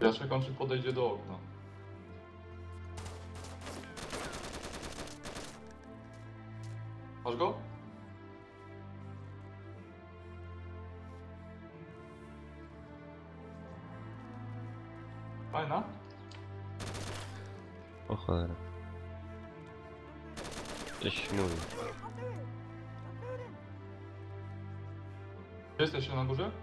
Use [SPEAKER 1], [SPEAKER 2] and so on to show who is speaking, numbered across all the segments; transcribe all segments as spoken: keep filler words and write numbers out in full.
[SPEAKER 1] Ja czekam, czy podejdzie do okna. Masz go? Fajna?
[SPEAKER 2] O cholera. Coś mówi.
[SPEAKER 1] Gdzie jesteście, na górze?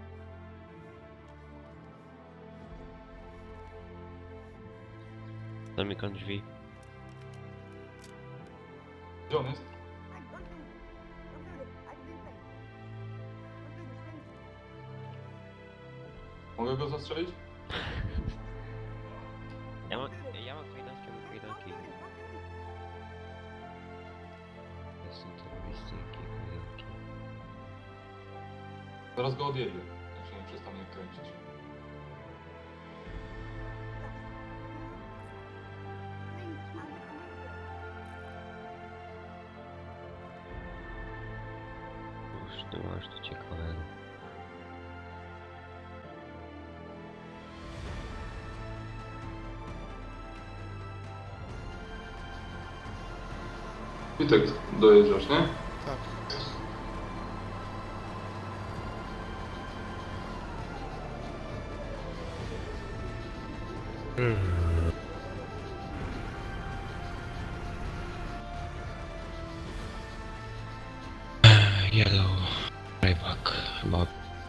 [SPEAKER 2] Zamykam drzwi.
[SPEAKER 1] Gdzie on jest? Mogę go zastrzelić?
[SPEAKER 2] Ja mam, ja mam kajdanki, mam kajdanki. Jestem terrorysty, jakie kajdanki.
[SPEAKER 1] Zaraz go odjedzie, jak się nie przestanie kręcić.
[SPEAKER 2] Już ty masz to ciekawego.
[SPEAKER 1] Witek, dojeżdżasz, nie?
[SPEAKER 3] Tak.
[SPEAKER 2] Yellow. Rayback. Chyba.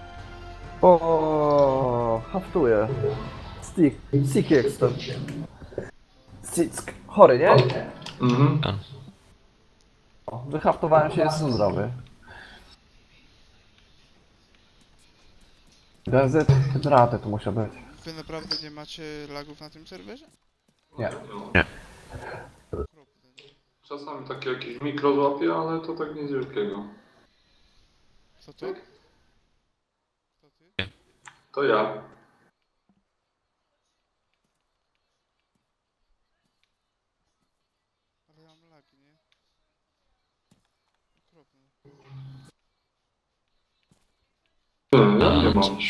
[SPEAKER 4] O, haftuję. Stick, stick jestem. Stick, chory, nie?
[SPEAKER 1] Mhm.
[SPEAKER 4] O, wyhaftowałem się, jestem zdrowy. Gazety, hydraty tu muszę być.
[SPEAKER 3] Wy naprawdę nie macie lagów na tym serwerze?
[SPEAKER 4] Nie.
[SPEAKER 3] Okropne.
[SPEAKER 1] Czasami takie jakieś mikro złapie, ale to tak nic wielkiego.
[SPEAKER 3] Co to? Co ty?
[SPEAKER 1] To ja.
[SPEAKER 3] Ale ja mam lagi, nie? Okropne.
[SPEAKER 1] Nie, ja nie mam.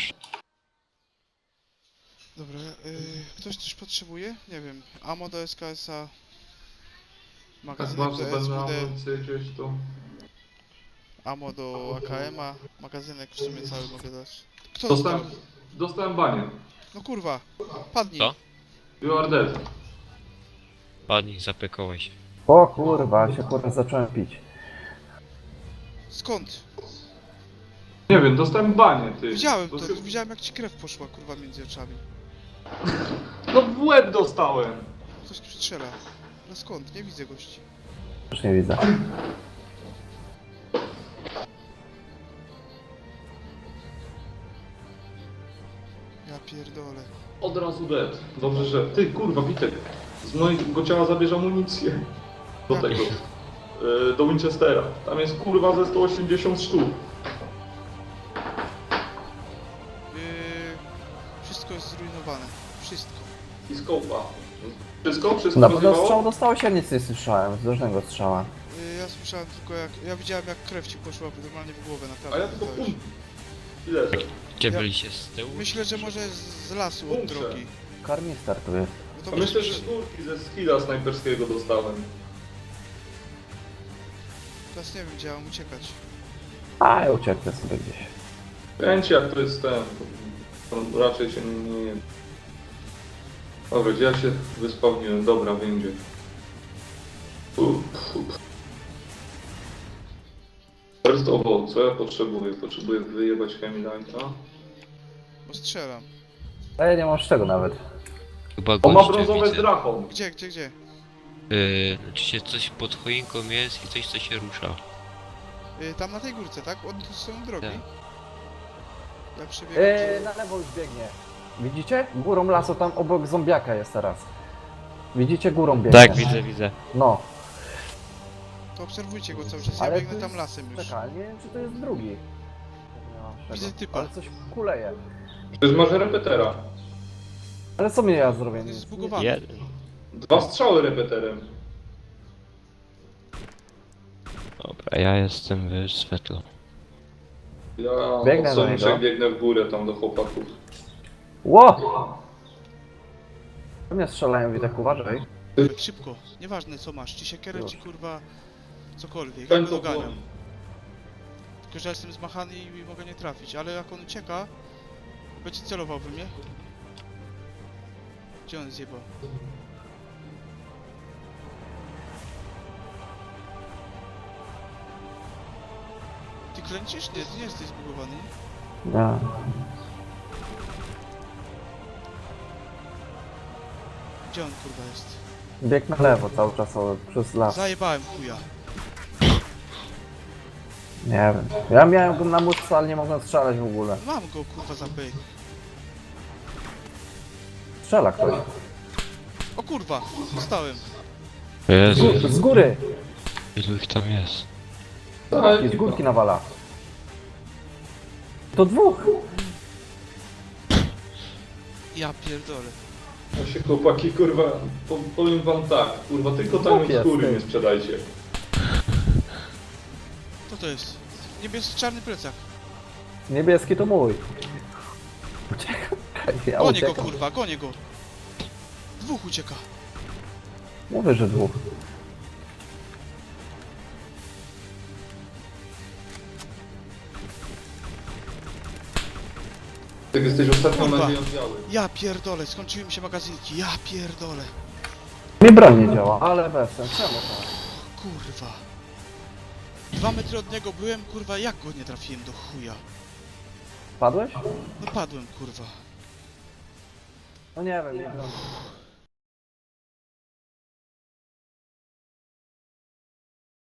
[SPEAKER 3] Dobra, yy, ktoś coś potrzebuje? Nie wiem. Ammo do S K S-a.
[SPEAKER 1] Tak
[SPEAKER 3] Magazynek
[SPEAKER 1] mam
[SPEAKER 3] do
[SPEAKER 1] zbędne
[SPEAKER 3] S W D.
[SPEAKER 1] amunicje gdzieś tu.
[SPEAKER 3] Ammo do A K M-a. Magazynek w sumie cały mogę dać. Kto
[SPEAKER 1] Dostałem,
[SPEAKER 3] dostał?
[SPEAKER 1] dostałem banie.
[SPEAKER 3] No kurwa. Padnij.
[SPEAKER 2] Co?
[SPEAKER 1] You are dead.
[SPEAKER 2] Padnij, zapekałeś.
[SPEAKER 4] O kurwa, się kurwa zacząłem pić.
[SPEAKER 3] Skąd?
[SPEAKER 1] Nie wiem, dostałem banie, ty.
[SPEAKER 3] Widziałem to.
[SPEAKER 1] Dosyć-
[SPEAKER 3] Widziałem jak ci krew poszła kurwa między oczami.
[SPEAKER 1] No w łeb dostałem.
[SPEAKER 3] Ktoś tu strzela. No skąd? Nie widzę gości.
[SPEAKER 4] Już nie widzę.
[SPEAKER 3] Ja pierdolę.
[SPEAKER 1] Od razu dead. Dobrze, że... Ty, kurwa, Witek. Z mojego ciała zabierz amunicję. Do
[SPEAKER 3] Tak.
[SPEAKER 1] tego. Yy, do Winchestera. Tam jest kurwa ze sto osiemdziesiąt sztuk.
[SPEAKER 3] Yy, wszystko jest zrujnowane. Wszystko.
[SPEAKER 1] I skopa. Wszystko? Wszystko
[SPEAKER 4] Na pewno
[SPEAKER 1] rozjebało?
[SPEAKER 4] strzał dostałeś, ja nic nie słyszałem. Z różnego strzała.
[SPEAKER 3] Yy, ja słyszałem tylko jak... Ja widziałem jak krew ci poszła normalnie w głowę, naprawdę.
[SPEAKER 1] A ja tylko
[SPEAKER 3] dostałeś.
[SPEAKER 1] pum. I leżę.
[SPEAKER 2] Gdzie
[SPEAKER 3] Ja-
[SPEAKER 2] byliście z tyłu?
[SPEAKER 3] Myślę, że może z, z lasu od
[SPEAKER 1] Bunkrze.
[SPEAKER 3] drogi.
[SPEAKER 4] Karmister tu jest.
[SPEAKER 3] No to
[SPEAKER 1] A
[SPEAKER 3] byś
[SPEAKER 1] myślę, że z
[SPEAKER 3] przy-
[SPEAKER 1] górki, ze skilla snajperskiego dostałem.
[SPEAKER 3] Teraz nie wiem, gdzie ja mam uciekać.
[SPEAKER 4] A, ja ucieknę sobie gdzieś.
[SPEAKER 1] Kręci jak to jest ten. To raczej się nie... nie... Dobra, gdzie ja się wyspawniłem? Dobra, będzie. First of all, co ja potrzebuję? Potrzebuję wyjebać Chemilite'a.
[SPEAKER 3] Bo strzelam.
[SPEAKER 4] A ja nie mam z czego nawet.
[SPEAKER 2] Chyba
[SPEAKER 1] On ma
[SPEAKER 2] goście
[SPEAKER 1] brązowe z
[SPEAKER 2] widzę.
[SPEAKER 1] drachą.
[SPEAKER 3] Gdzie, gdzie, gdzie?
[SPEAKER 2] Yy, znaczy się coś pod choinką jest i coś co się rusza.
[SPEAKER 3] Yy, tam na tej górce, tak? Od strony drogi.
[SPEAKER 2] Tak.
[SPEAKER 3] Ja przebiegam.
[SPEAKER 4] Eee, na lewo już biegnie. Widzicie? Górą lasu tam obok zombiaka jest teraz. Widzicie? Górą biegnie.
[SPEAKER 2] Tak, widzę, widzę.
[SPEAKER 4] No,
[SPEAKER 3] To obserwujcie go cały czas, ja
[SPEAKER 4] ale
[SPEAKER 3] biegnę
[SPEAKER 4] to
[SPEAKER 3] tam
[SPEAKER 4] jest-
[SPEAKER 3] lasem już.
[SPEAKER 4] czekaj, nie wiem czy to jest drugi. Nie mam z czego.
[SPEAKER 3] Widzę typa.
[SPEAKER 4] Ale coś kuleje.
[SPEAKER 1] To jest może repetera.
[SPEAKER 4] Ale co mnie ja zrobię?
[SPEAKER 3] On jest
[SPEAKER 4] Nic-
[SPEAKER 3] zbugowany.
[SPEAKER 2] Jeden.
[SPEAKER 1] Dwa strzały repeterem.
[SPEAKER 2] Dobra, ja jestem w Svetlo.
[SPEAKER 1] Ja
[SPEAKER 4] Biegnę
[SPEAKER 1] od
[SPEAKER 4] do
[SPEAKER 1] Soniczek
[SPEAKER 4] niego.
[SPEAKER 1] biegnę w górę tam do chłopaków.
[SPEAKER 4] Ło! Mnie strzelają, Witek, uważaj.
[SPEAKER 3] Tak szybko, nieważne co masz, czy siekierę,
[SPEAKER 4] Już.
[SPEAKER 3] czy kurwa cokolwiek, ja
[SPEAKER 1] Ten
[SPEAKER 3] go
[SPEAKER 1] co
[SPEAKER 3] doganiam.
[SPEAKER 1] błąd.
[SPEAKER 3] Tylko że ja jestem zmachany i mogę nie trafić, ale jak on ucieka, będzie celował we mnie. Gdzie on zjebał? Ty klęcisz? Nie, ty nie jesteś zbugowany.
[SPEAKER 4] Nie.
[SPEAKER 3] Gdzie on kurwa jest?
[SPEAKER 4] Bieg na lewo cały czas o, przez las.
[SPEAKER 3] Zajebałem chuja.
[SPEAKER 4] Nie wiem. Ja miałem go na muszce, ale nie mogłem strzelać w ogóle.
[SPEAKER 3] Mam go kurwa za pyk.
[SPEAKER 4] Strzela ktoś.
[SPEAKER 3] O kurwa, dostałem.
[SPEAKER 2] Jezu,
[SPEAKER 4] Z góry!
[SPEAKER 2] ilu ich tam jest?
[SPEAKER 1] Tak,
[SPEAKER 4] I z górki nawala. To dwóch!
[SPEAKER 3] Ja pierdolę.
[SPEAKER 1] No się chłopaki, kurwa, po, powiem wam tak, kurwa, tylko tam
[SPEAKER 4] Chłopie,
[SPEAKER 1] z góry
[SPEAKER 4] ty.
[SPEAKER 1] nie sprzedajcie.
[SPEAKER 3] Co to jest? Niebieski czarny plecak.
[SPEAKER 4] Niebieski to mój. Uciekam. Ja
[SPEAKER 3] Gonię go
[SPEAKER 4] uciekam.
[SPEAKER 3] kurwa, gonię go. Dwóch ucieka.
[SPEAKER 4] Mówię, że dwóch.
[SPEAKER 1] Tak jesteś ostatnią
[SPEAKER 3] Kurwa.
[SPEAKER 1] nadzieją biały.
[SPEAKER 3] Ja pierdolę, skończyły mi się magazynki. Ja pierdolę.
[SPEAKER 4] Mi broń nie działa. Ale bez sensu. Czemu to?
[SPEAKER 3] Kurwa. Dwa metry od niego byłem, kurwa, jak go nie trafiłem do chuja?
[SPEAKER 4] Padłeś?
[SPEAKER 3] No padłem, kurwa.
[SPEAKER 4] No nie wiem, nie wiem.